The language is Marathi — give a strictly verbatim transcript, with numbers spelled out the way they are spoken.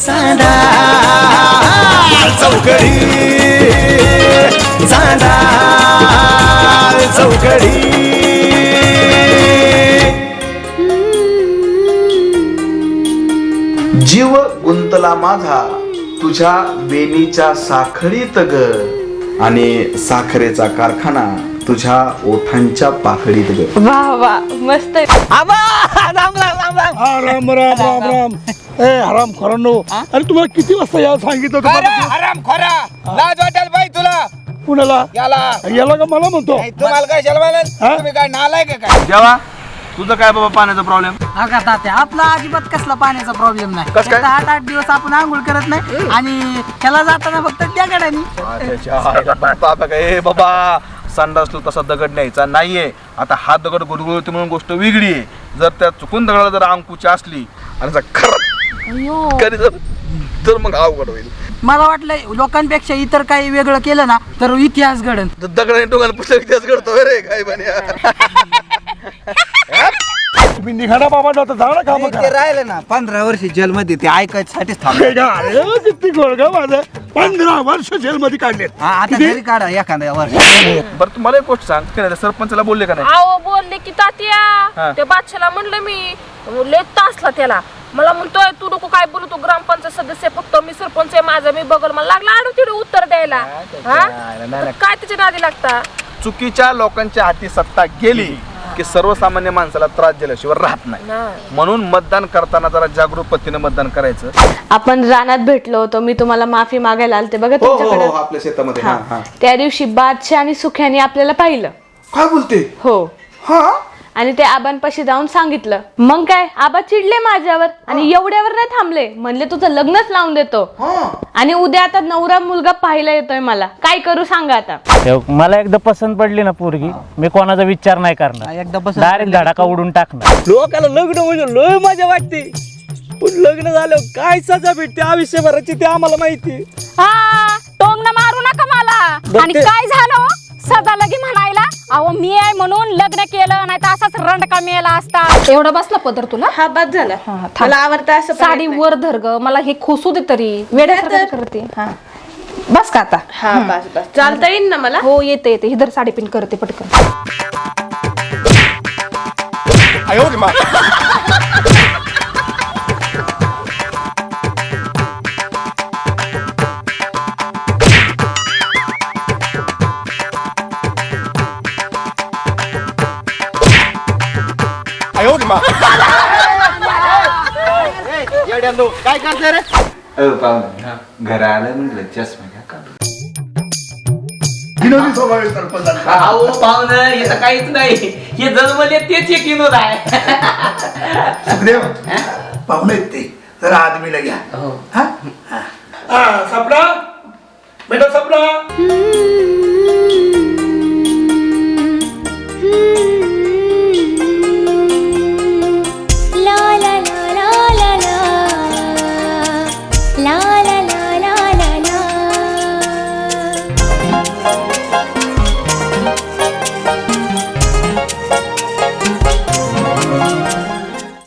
चांदा चौकडी चांदा चौकडी जीव गुंतला माझा तुझ्या वेणीच्या साखळीत ग आणि साखरेचा कारखाना तुझ्या ओठांच्या पाकळीत ग. वा वा मस्त. आबा राम राम राम राम हा राम राम राम राम. ए हराम खोरांनो, अरे तुम्हाला किती वाजता यायला सांगितलं अरे तुम्हाला? हराम खोरा लाज वाटेल बाई तुला कुणाला? याला याला का मला म्हणतो? नाही, तुम्हाला काय शलवाल हा? तुम्ही काय नालाय का काय जेव्हा तुझं काय बाबा पाण्याचा प्रॉब्लेम? अगा तात्या आपला अजिबात कसला पाण्याचा प्रॉब्लेम नाही. कसं काय? आता आठ आठ दिवस आपण आंघोळ करत नाही आणि त्याला जाताना फक्त त्या गाड्यानी बाबा काय बाबा संडासला तसा दगड न्यायचा नाहीये. आता हा दगड गुडगुळते म्हणून गोष्ट वेगळी आहे. जर त्या चुकून दगडाला जर अंकुची असली आणि जर खरं कधी जर तर मग अवघड होईल. मला वाटलं लोकांपेक्षा इतर काही वेगळं केलं ना तर इतिहास घडन. दगडाने टोकाला पुस्तक इतिहास घडतो रे काय बन्या. तुम्ही निघाला बाबा, जाता जा ना काम ते राहिलं ना पंधरा वर्ष जेलमध्ये ते ऐकायसाठीच थांबलं. किती गोळगा माझं. पंधरा वर्ष जेलमध्ये काढले. हा, आता घरी काढा एखाद्या वर्ष. बरं तुम्हाला एक गोष्ट सांग, ते नाही सरपंचाला बोलले का नाही? अहो बोलले की तात्या हा. त्या बादशाला म्हणलं मी लेट तासला त्याला मला म्हणतोय तू नको काय बोलू, तू ग्रामपंचायत सदस्य फक्त मी सरपंच आहे माझा मी बघल. मला लागला आडू तिडू उत्तर द्यायला. हा तर काय त्याच्या नादी लागता. चुकीच्या लोकांच्या हाती सत्ता गेली की सर्वसामान्य माणसाला त्रास दिल्याशिवाय राहत नाही. म्हणून मतदान करताना जरा जागरूक पद्धतीने मतदान करायचं. आपण रानात भेटलो होतो, मी तुम्हाला माफी मागायला आलते बघा तुमच्याकडे. आपल्या शेतामध्ये. हा, हा. त्या दिवशी बादशाह आणि सुख्याने आपल्याला पाहिलं. काय बोलते? हो हा आणि ते आबांपाशी जाऊन सांगितलं. मग काय आबा चिडले माझ्यावर आणि एवढ्यावर नाही थांबले, म्हणले तुझं लग्नच लावून देतो. आणि उद्या आता नवरा मुलगा पाहायला येतोय मला, काय करू सांगा आता. मला एकदा पसंत पडली ना पोरगी, मी कोणाचा विचार नाही करणार, एकदा बस डायरेक्ट धडाका उडून टाकणार. लोकाला लग्न म्हणजे लय मजा वाटते, पण लग्न झालं काय सजा भेटते आयुष्यभराची ते आम्हाला माहिती. हा टोंगणं मारू नका मला. आणि काय झालं सदा लगी म्हणायला, अहो मी आहे म्हणून लग्न केलं, नाही तर असाच रंडका मेला असता. एवढा बसला पदर तुला? हा बाद झाला. मला आवडतं असं साडी वर धर ग, मला हे खोसू दे तरी वेड्यासारखं करते. हा बस का आता? हा बस बस चालता येईल ना मला? हो येते येते. हिदर साडी पिन करते पटकन. काय करते रे? घरा आलं म्हटलं चष्मा घ्या का. विनोदी स्वभाव आहे सरपंचाचा. अहो पाहुणं इथं काहीच नाही, हे जन्मले तेच एक विनोद आहे. सुखदेव पाहुणे आहेत ते, जरा आदमीला घ्या. हा? हा, सपना बेटा सपना.